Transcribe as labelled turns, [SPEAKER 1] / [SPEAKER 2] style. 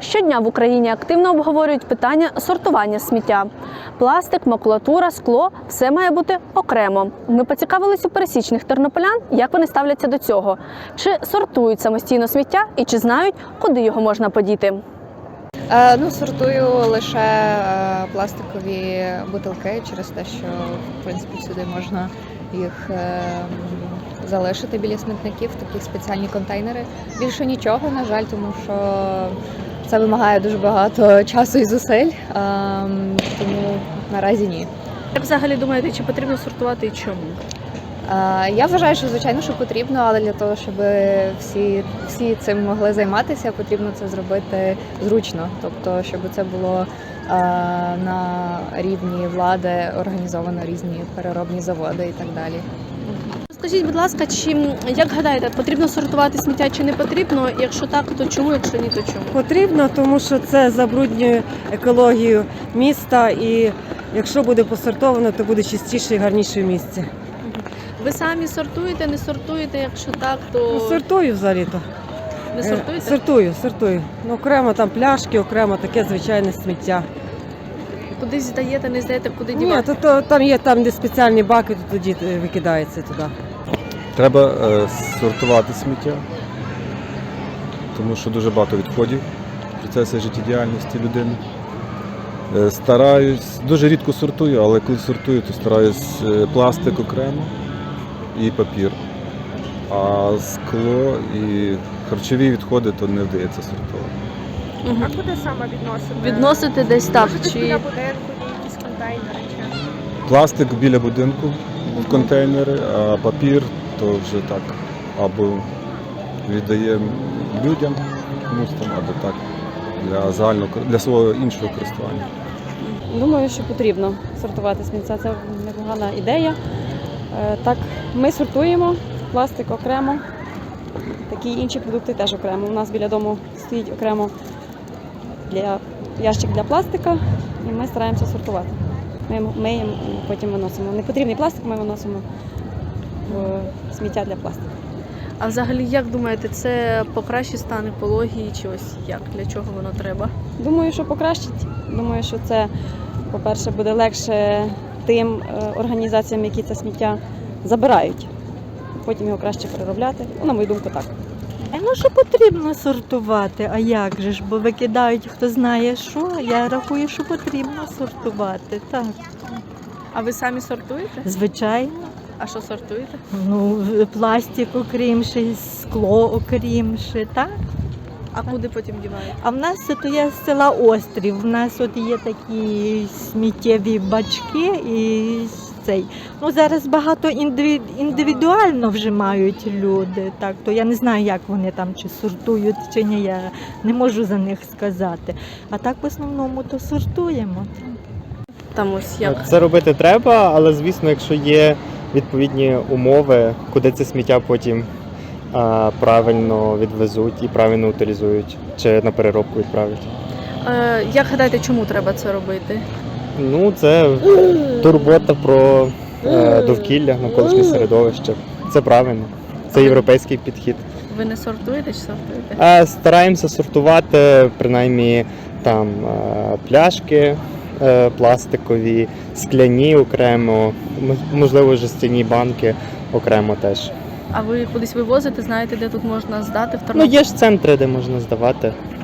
[SPEAKER 1] Щодня в Україні активно обговорюють питання сортування сміття. Пластик, макулатура, скло – все має бути окремо. Ми поцікавились у пересічних тернополян, як вони ставляться до цього. Чи сортують самостійно сміття і чи знають, куди його можна подіти.
[SPEAKER 2] Сортую лише пластикові бутилки через те, що в принципі всюди можна їх залишити біля смітників, такі спеціальні контейнери. Більше нічого, на жаль, тому що це вимагає дуже багато часу і зусиль, тому наразі ні.
[SPEAKER 1] Як взагалі думаєте, чи потрібно сортувати і чому?
[SPEAKER 2] Я вважаю, що звичайно, що потрібно, але для того, щоб всі цим могли займатися, потрібно це зробити зручно. Тобто, щоб це було на рівні влади організовано різні переробні заводи і так далі.
[SPEAKER 1] Скажіть, будь ласка, як гадаєте, потрібно сортувати сміття чи не потрібно? Якщо так, то чому? Якщо ні, то чому?
[SPEAKER 3] Потрібно, тому що це забруднює екологію міста, і якщо буде посортовано, то буде чистіше і гарніше в місті.
[SPEAKER 1] Ви самі сортуєте, не сортуєте? Якщо так, то...
[SPEAKER 3] Сортую взагалі-то.
[SPEAKER 1] Не сортуєте?
[SPEAKER 3] Сортую. Окремо там пляшки, окремо таке звичайне сміття.
[SPEAKER 1] Кудись здаєте, не здаєте, куди дівати?
[SPEAKER 3] Ні, там є де спеціальні баки, то тоді викидається туди.
[SPEAKER 4] Треба сортувати сміття, тому що дуже багато відходів в процесі життєдіяльності людини. Стараюсь, дуже рідко сортую, але коли сортую, то стараюсь пластик окремо і папір. А скло і харчові відходи то не вдається сортувати.
[SPEAKER 5] А куди саме відносити?
[SPEAKER 1] Відносити десь так?
[SPEAKER 5] Чи біля будинку, є якісь контейнери?
[SPEAKER 4] Пластик біля будинку в контейнери, а папір то вже так або віддаємо людям комусь там, або так для свого іншого користування.
[SPEAKER 6] Думаю, що потрібно сортувати сміття. Це непогана ідея. Так, ми сортуємо пластик окремо, такі інші продукти теж окремо. У нас біля дому стоїть окремо ящик для пластика, і ми стараємося сортувати. Ми їм потім виносимо. Непотрібний пластик ми виносимо в сміття для пластика.
[SPEAKER 1] А взагалі, як думаєте, це покращить стан екології чи ось як? Для чого воно треба?
[SPEAKER 6] Думаю, що покращить. Думаю, що це, по-перше, буде легше тим організаціям, які це сміття забирають. Потім його краще переробляти. На мою думку, так.
[SPEAKER 7] Що потрібно сортувати, а як же ж, бо викидають хто знає що, я рахую, що потрібно сортувати, так.
[SPEAKER 1] А ви самі сортуєте?
[SPEAKER 7] Звичайно.
[SPEAKER 1] А що сортуєте?
[SPEAKER 7] Пластик окрімши, скло окрімши, так.
[SPEAKER 1] А куди потім діваєте?
[SPEAKER 7] А в нас то є з села Острів, в нас от є такі сміттєві бачки і цей. Зараз багато індивідуально вже мають люди, так, то я не знаю, як вони там чи сортують, чи ні, я не можу за них сказати. А так в основному то сортуємо.
[SPEAKER 1] Там ось як?
[SPEAKER 8] Це робити треба, але звісно, якщо є відповідні умови, куди це сміття потім правильно відвезуть і правильно утилізують, чи на переробку відправлять.
[SPEAKER 1] Як гадаєте, чому треба це робити?
[SPEAKER 8] Це турбота про довкілля, навколишнє середовище. Це правильно. Це європейський підхід.
[SPEAKER 1] Ви не сортуєте чи сортуєте?
[SPEAKER 8] Стараємося сортувати, принаймні, там пляшки пластикові, скляні окремо, можливо, жестяні банки окремо теж.
[SPEAKER 1] А ви кудись вивозите, знаєте, де тут можна здати в Тернополі?
[SPEAKER 8] Є ж центри, де можна здавати.